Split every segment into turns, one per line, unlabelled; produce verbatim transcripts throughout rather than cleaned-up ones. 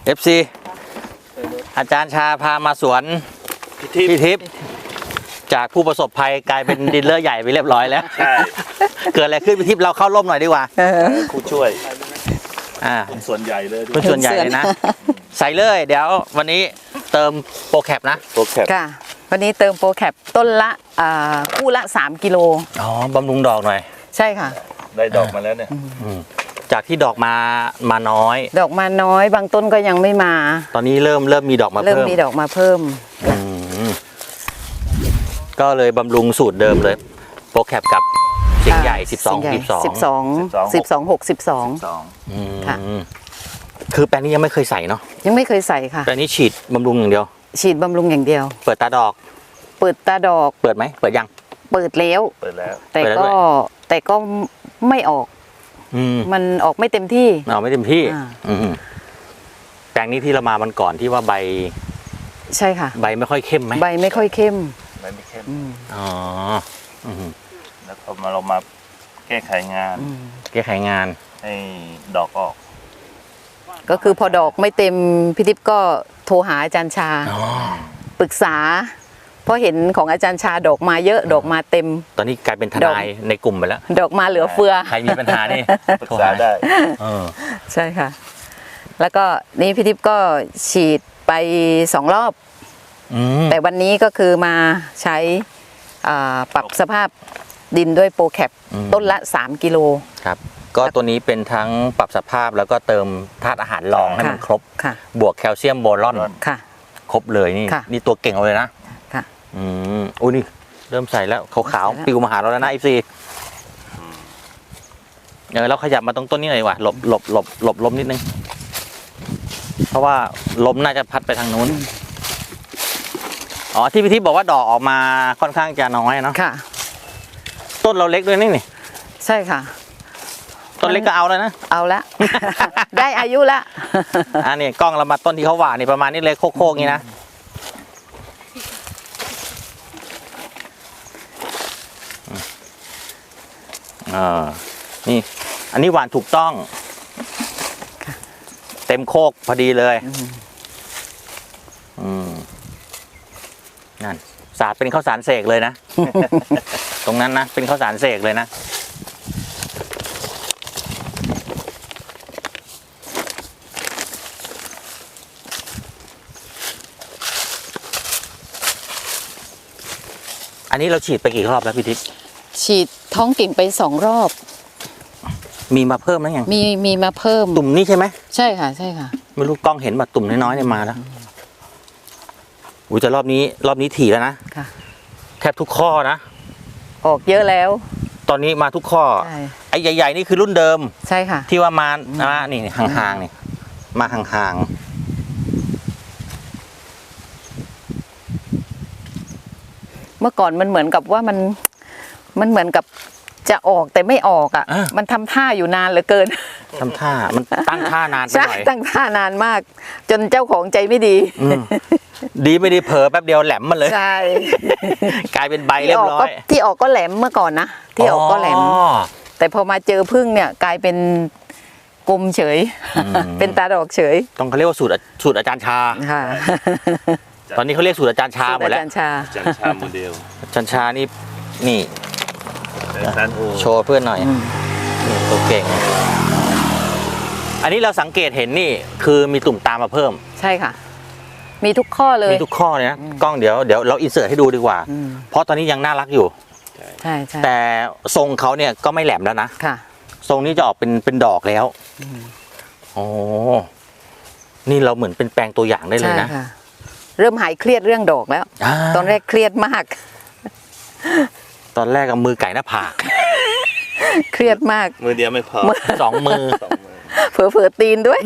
เอฟซี อาจารย์ชาพามาสวนพี่ทิพย์จากผู้ประสบภัยกลายเป็นดีลเลอร์ใหญ่ไปเรียบร้อยแล้วเกิดอะไรขึ้นพี่ทิพย์เราเข้าร่มหน่อยดีกว่า
ผู้ช่วย
อ่า
ส่วนใหญ่เลย
เป็นส่วนใหญ่เลยนะใส่เลยเดี๋ยววันนี้เติมโปรแคปนะ
โปรแคป
ค่ะวันนี้เติมโปรแคปต้นละคู่ละสามกิโล
อ๋อบำรุงดอกหน่อย
ใช่ค่ะ
ได้ดอกมาแล้วเนี่ย
จากที่ดอกมามาน้อย
ดอกมาน้อยบางต้นก็ยังไม่มา
ตอนนี้เริ่มเริ่มมีดอกมาเพิ่ม
เริ่มมีดอกมาเพิ่ม
ก็เลยบำรุงสูตรเดิมเลยโปรแคปกับเสียงใหญ่สิบสองสิบสอง
สิบสองสิบสองหกสิบสองค่ะ
คือแปลงนี้ยังไม่เคยใส่เนาะ
ยังไม่เคยใส่ค่ะ
แปลงนี้ฉีดบำรุงอย่างเดียว
ฉีดบำรุงอย่างเดียว
เปิดตาดอก
เปิดตาดอก
เปิดไหมเปิดยัง
เปิดแล้ว
เปิดแล้ว
แต่ก็แต่ก็ไม่ออกมันออกไม่เต็มที่
ออกไม่เต็มที่แปลงนี้ที่เรามามันก่อนที่ว่าใบ
ใช่ค่ะ
ใบไม่ค่อยเข้มไหม
ใบไม่ค่อยเข้ม
ใบไม่เข้ม
อ๋อ
แล้วพอมาเรามาแก้ไขงาน
แก้ไขงาน
ให้ดอกออก
ก็คือพอดอกไม่เต็มพี่ทิพย์ก็โทรหาอาจารย์ชาปรึกษาเพราะเห็นของอาจารย์ชาดอกมาเยอะดอกมาเต็ม
ตอนนี้กลายเป็นทนายในกลุ่มไปแล้ว
ดอกมาเหลือเฟือ
ใครมีปัญหานี่
ปรึกษาได้
ใช่ค่ะแล้วก็นี่พี่ทิพย์ก็ฉีดไปสองรอบแต่วันนี้ก็คือมาใช้ปรับสภาพดินด้วยโปรแคปต้นละสามกิโล
ครับก็ตัวนี้เป็นทั้งปรับสภาพแล้วก็เติมธาตุอาหารรองให้มันครบบวกแคลเซียมโบรอนครบเลยนี่นี่ตัวเก่งเลยนะ
ค่ะ
อืมอุ้ยนี่เริ่มใส่แล้วขาวๆปิวมาหาเราแล้วนะอีซีเออเราขยับมาตรงต้นนี้หน่อยดีกว่าหลบหลบหลบหลบลมนิดนึงเพราะว่าลมน่าจะพัดไปทางนู้นอ๋อที่พี่ทิพย์บอกว่าดอกออกมาค่อนข้างจะน้อยเนาะ
ค่ะ
ต้นเราเล็กด้วยนี่นี่
ใช่ค่ะ
ต้นเล็กก็เอาแล้วนะ
เอาละได้อายุละ
อันนี้กล้องเรามาต้นที่เขาหว่านนี่ประมาณนี้เลยโค้งๆนี้นะอ่านี่อันนี้หวานถูกต้องเต็มโคกพอดีเลยอืมนั่นสาดเป็นข้าวสารเสกเลยนะตรงนั้นนะเป็นข้าวสารเสกเลยนะอันนี้เราฉีดไปกี่รอบแล้วพี่ทิพย์
ฉีดท้องกิ่งไปสองรอบ
มีมาเพิ่มแล้วยัง
มีมีมาเพิ่ม
ตุ่มนี่ใช่ไหม
ใช่ค่ะใช่ค่ะ
ไม่รู้กล้องเห็นแบบตุ่มน้อยๆเนี่ยมาแล้วอุ้ยแต่รอบนี้รอบนี้ถี่แล้วนะ
ค่ะ
แทบทุกข้อนะ
ออกเยอะแล้ว
ตอนนี้มาทุกข้อไอ้ใหญ่ๆนี่คือรุ่นเดิม
ใช่ค่ะ
ที่ว่ามาอ่านี่ห่างๆนี่มาห่างๆ
เมื่อก่อนมันเหมือนกับว่ามันมันเหมือนกับจะออกแต่ไม่ออกอ่ะมันทำท่าอยู่นานเหลือเกิน
ทำท่ามันตั้งท่านานไปหน่อย
ตั้งท่านานมากจนเจ้าของใจไม่ดี
ดีไม่ดีเผลอแป๊บเดียวแหลมมาเลย
ใช่
กลายเป็นใบเรียบร้อย
ที่ออกก็แหลมเมื่อก่อนนะที่ออกก็แหลมแต่พอมาเจอพึ่งเนี่ยกลายเป็นกลมเฉยเป็นตาดอกเฉย
ต้องเขาเรียกว่าสูตรสูตรอาจารย์ชา
ค่ะ
ตอนนี้เขาเรียกสูตรอาจารย์ชาหมดแล้ว
อาจารย์ชา
อาจารย์ชาโมเดล
อาจารย์ชานี่นี่โชว์เพื่อนหน่อยนี่ตัวเก่งอันนี้เราสังเกตเห็นนี่คือมีตุ่มตามมาเพิ่ม
ใช่ค่ะมีทุกข้อเลย
มีทุกข้อเลยนะกล้องเดี๋ยวเดี๋ยวเราอินเสิร์ตให้ดูดีกว่าเพราะตอนนี้ยังน่ารักอยู่
ใช่ใช่
แต่ทรงเขาเนี่ยก็ไม่แหลมแล้วนะ
ค่ะ
ทรงนี้จะออกเป็นเป็นดอกแล้วโอ้นี่เราเหมือนเป็นแปลงตัวอย่างได้เลยนะ
เริ่มหายเครียดเรื่องดอกแล้วตอนแรกเครียดมาก
ตอนแรกกับมือไก่หน้าผาก
เครียดมาก
มือเดียวไม่พอ
สองมือ
เผลอเผลอตีนด้วย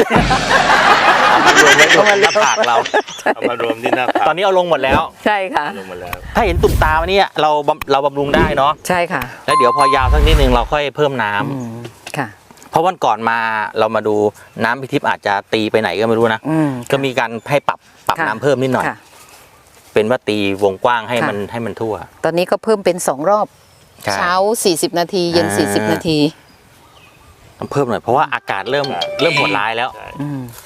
เอามารวมในหน้าผากเรา
เอามารวมที่หน้าผาก
ตอนนี้เอาลงหมดแล้ว
ใช่ค่ะ
ลงหมดแล้ว
ถ้าเห็นตุ่มตาวันนี้เราเราบำรุงได้เนาะ
ใช่ค่ะ
แล้วเดี๋ยวพอยาวสักนิดนึงเราค่อยเพิ่มน้
ำค่ะ
เพราะวันก่อนมาเรามาดูน้ำพิทิพย์อาจจะตีไปไหนก็ไม่รู้นะก็มีการให้ปรับปรับน้ำเพิ่มนิดหน่อยเป็นว่าตีวงกว้างให้มันให้มันทั่ว
ตอนนี้ก็เพิ่มเป็นสองรอบเช้าสี่สิบนาทีเย็นสี่สิบนาที
ต้องเพิ่มหน่อยเพราะว่าอากาศเริ่มเริ่มโหดร้ายแล้ว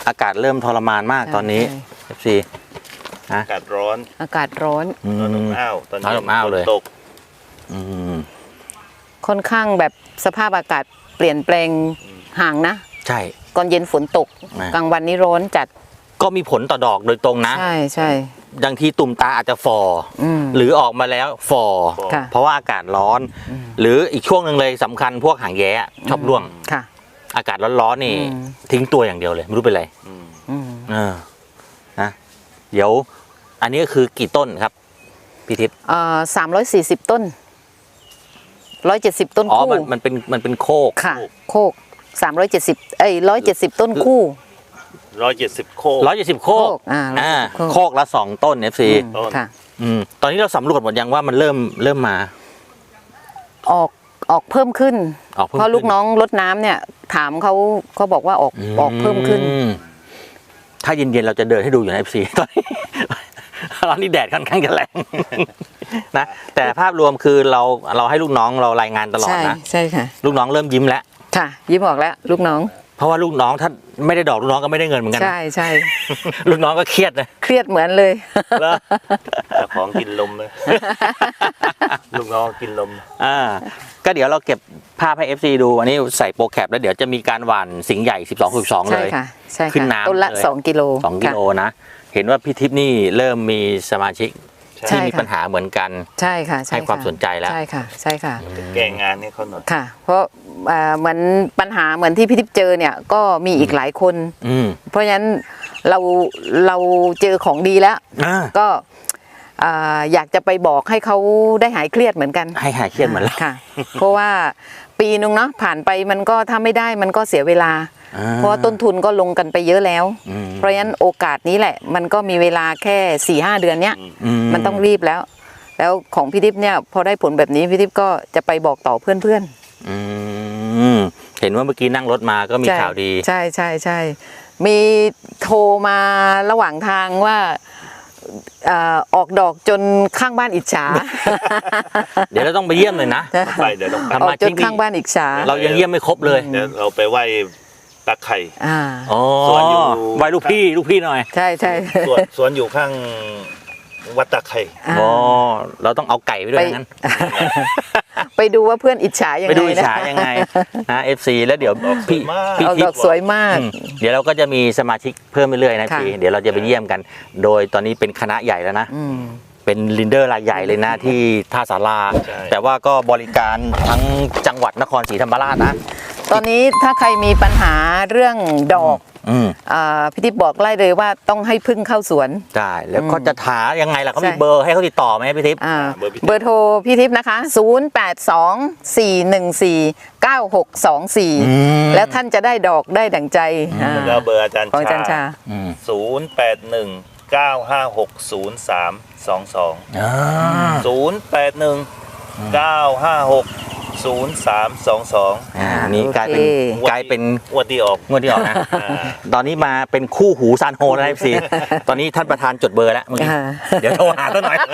อากาศเริ่มทรมานมากตอนนี้
ใช่
เอฟซี
อากาศร้อน
อากาศร้อน
อื
ร้อนอบ
ม
อ้าวตอน
ร้อน
นี้
อบอ้าว
ฝน
เลย
ตก
อืม
ค่อนข้างแบบสภาพอากาศเปลี่ยนแปลงห่างนะ
ใช่
ก่อนเย็นฝนตก
อ่ะ
กลางวันนี้ร้อนจัด
ก็มีผลต่อดอกโดยตรงนะ
ใช่ใช่
บางทีตุ่มตาอาจจะฟอ
อืม
หรือออกมาแล้วฟอ
ค่ะ
เพราะว่าอากาศร้อน หรืออีกช่วงหนึ่งเลยสำคัญพวกหางแย้ชอบร่วง
ค่ะ
อากาศร้อนๆนี่
อืม
ทิ้งตัวอย่างเดียวเลยไม่รู้เป็นไร
อืม
อืม
เออนะเดี๋ยวอันนี้ก็คือกี่ต้นครับพี่ทิพย์
เอ่อสามร้อยสี่สิบต้นร้อยเจ็ดสิบต้น
อ๋อ
คู่
มันมันเป็นมันเป็นโคก
ค่ะ โคกสามร้อยเจ็ดสิบเอ้ยร้อยเจ็ดสิบต้นคู่
ร้อยเจ็ดสิบโคก
ร้อยเจ็ดสิบโคก
โคกอ่า
อ่า
โคก
โคกละสองต้นเอฟซี
อืม
ต้น
ค่ะ
อืมตอนนี้เราสำรวจหมดยังว่ามันเริ่มเริ่มมา
ออกออกเพิ่มขึ้น
ออกเพิ่ม
เพราะ
ขึ้น
ลูกน้องรดน้ำเนี่ย ถามเขาเขาบอกว่าออกออกเพิ่มขึ้น
อืถ้าเย็นๆเราจะเดินให้ดูอยู่ในเอฟซีตอนนี้ ตอนนี้แดดค่อนข้างจะแรง นะแต่ภาพรวมคือเราเราให้ลูกน้องเรารายงานตลอด
ใช่
นะ
ใช่ค่ะ
ลูกน้องเริ่มยิ้มแล้ว
ค่ะ ยิ้มออกแล้ว ลูกน้อง
เพราะว่าลูกน้องถ้าไม่ได้ดอกลูกน้องก็ไม่ได้เงินเหมือนกันนะ
ใช่ใช่
ลูกน้องก็เครียดนะ
เครียดเหมือนเลย
แล้ว
เจ้าของกินลมเลย ลูกน้องกินลม
อ่าก็เดี๋ยวเราเก็บภาพให้ เอฟ ซี ดูอันนี้ใส่โปรแคปแล้วเดี๋ยวจะมีการหว่านสิงห์ใหญ่สิบสอง สิบสองเล
ใช่
ย
ค่ะใช่
ขึ้น
ค่ะ
น้ำ
ต้นละ
เลย
สองกิโล
สองกิโลนะ เห็นว่าพี่ทิพย์นี่เริ่มมีสมาชิก
ใช่
ที่มี
ค่ะ
ปัญหาเหมือนกัน
ใช่ค่ะใช่
ให้ความ
ะ
สนใจแล้ว
ใช่ค่ะ ใช่ค่ะ
แก้งานให้เขาหน่อย
ค่ะ เพราะเอ่อเหมือนปัญหาเหมือนที่พี่ทิพย์เจอเนี่ยก็มีอีกหลายคน
อืม
เพราะฉะนั้นเราเราเจอของดีแล้ว
อ่า
ก็อ่าอยากจะไปบอกให้เขาได้หายเครียดเหมือนกัน
ให้หายเครียดเหมือนเรา
ค่ะ เพราะว่าปีนึงเนาะผ่านไปมันก็ถ้าไม่ได้มันก็เสียเวลา
อ่า
เพราะว่าต้นทุนก็ลงกันไปเยอะแล้ว
อืม
เพราะฉะนั้นโอกาสนี้แหละ มันก็มีเวลาแค่สี่ห้าเดือนเนี้ย
อื
มันต้องรีบแล้ว แล้วของพี่ทิพย์เนี่ยพอได้ผลแบบนี้พี่ทิพย์ก็จะไปบอกต่อเพื่อน
อืมเห็นว่าเมื่อกี้นั่งรถมาก็
ๆ
มี
ใช่
ข่าวดี
ใช่ใช่ใช่มีโทรมาระหว่างทางว่าเอ่อออกดอกจนข้างบ้านอิจฉา
เดี๋ยวเราต้องไปเยี่ยมเลยนะ
ไปเดี๋ยวต้องไป
ทำ
อ
ไม
อกจนข้างบ้านอิจฉา
เรายังเยี่ยมไม่ครบเลย
เดี๋ยวเราไปไหว้ตาไข่
อ่า
อ๋อ
สวนอยู่
ไว้ลูกพี่ลูกพี่หน่อย
ใช่ใช่
สวนสวนอยู่ข้างวัดตาไข่
อ่า
อ๋อเราต้องเอาไก่ไปด้วย
ไป
งั้น
ไปดูว่าเพื่อนอิจฉายัง
ไป
ไง
ดูอิจ
นะ
ฉายังไงนะ เอฟ ซี แล้วเดี๋ยวพี่
ออกสวยมาก
พี่
ออก
ทิ
ด
พ
อก
ย์
สวยมาก
อืมเดี๋ยวเราก็จะมีสมาชิกเพิ่มไปเรื่อยๆนะ
ค่ะ
พี่เดี๋ยวเราจะไปเยี่ยมกัน โดยตอนนี้เป็นคณะใหญ่แล้วนะ
อืม
เป็นลินเดอร์รายใหญ่เลยนะที่ท่าสารา
ใช่
แต่ว่าก็บริการทั้งจังหวัดนครศรีธรรมราชนะ
ตอนนี้ถ้าใครมีปัญหาเรื่องดอก
อืม
อาพี่ทิพย์บอกไล่เลยว่าต้องให้พึ่งเข้าสวน
ได้แล้วก็จะถายังไงล่ะเขามี
ใช่
เบอร์ให้เขาติดต่อไหมพี่ทิพย์
อ่า
เบอร์พี่ทิพย์
เบอร์โทรพี่ทิพย์นะคะ ศูนย์ แปด สอง สี่ หนึ่ง สี่ เก้า หก สอง สี่
อืม
แล้วท่านจะได้ดอกได้ดั่งใจอ่า
แล้วเบอร์อาจารย์
ของอาจารย์ชา
อืม
ศูนย์แปดหนึ่งเก้าห้าหกศูนย์สามสองสอง
อ่า
ศูนย์แปดหนึ่งเก้าห้าหกศูนย์สามสองสอง
อ่านี่กลายเป็น
โอเค
กลายเป็น
งวดที่ออก
งวดที่ออกนะ
อ่า
ตอนนี้มาเป็นคู่หูซานโฮแล้วนะพี่ซีตอนนี้ท่านประธานจดเบอร์แล้วเมื่อกี้
อ่า
เดี๋ยวโทรหาซะหน่อย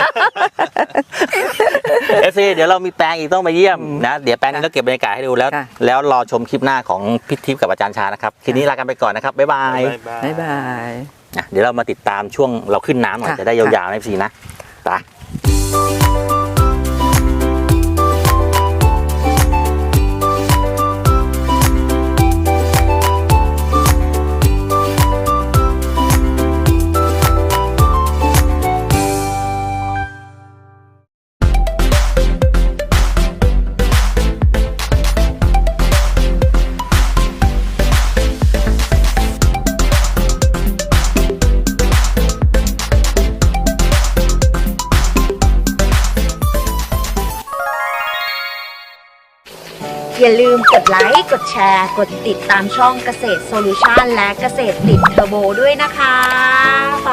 เอฟซีเดี๋ยวเรามีแปลงอีกต้องมาเยี่ยมนะเดี๋ยวแปลงนี้เราเก็บบรรยากาศให้ดูแล้ว
ค่ะ
แล้วรอชมคลิปหน้าของพิทิพย์กับอาจารย์ชานะครับคลิปนี้ลากันไปก่อนนะครับบ๊ายบาย
บ๊ายบาย
อ่ะเดี๋ยวเรามาติดตามช่วงเราขึ้นน้ำหน่อย
ค่ะ
จะได้ยาวๆนะพี่ซีนะไป
อย่าลืมกดไลค์ กดแชร์ กดติดตามช่องเกษตรโซลูชันและเกษตรติดเทอร์โบด้วยนะคะ ฝ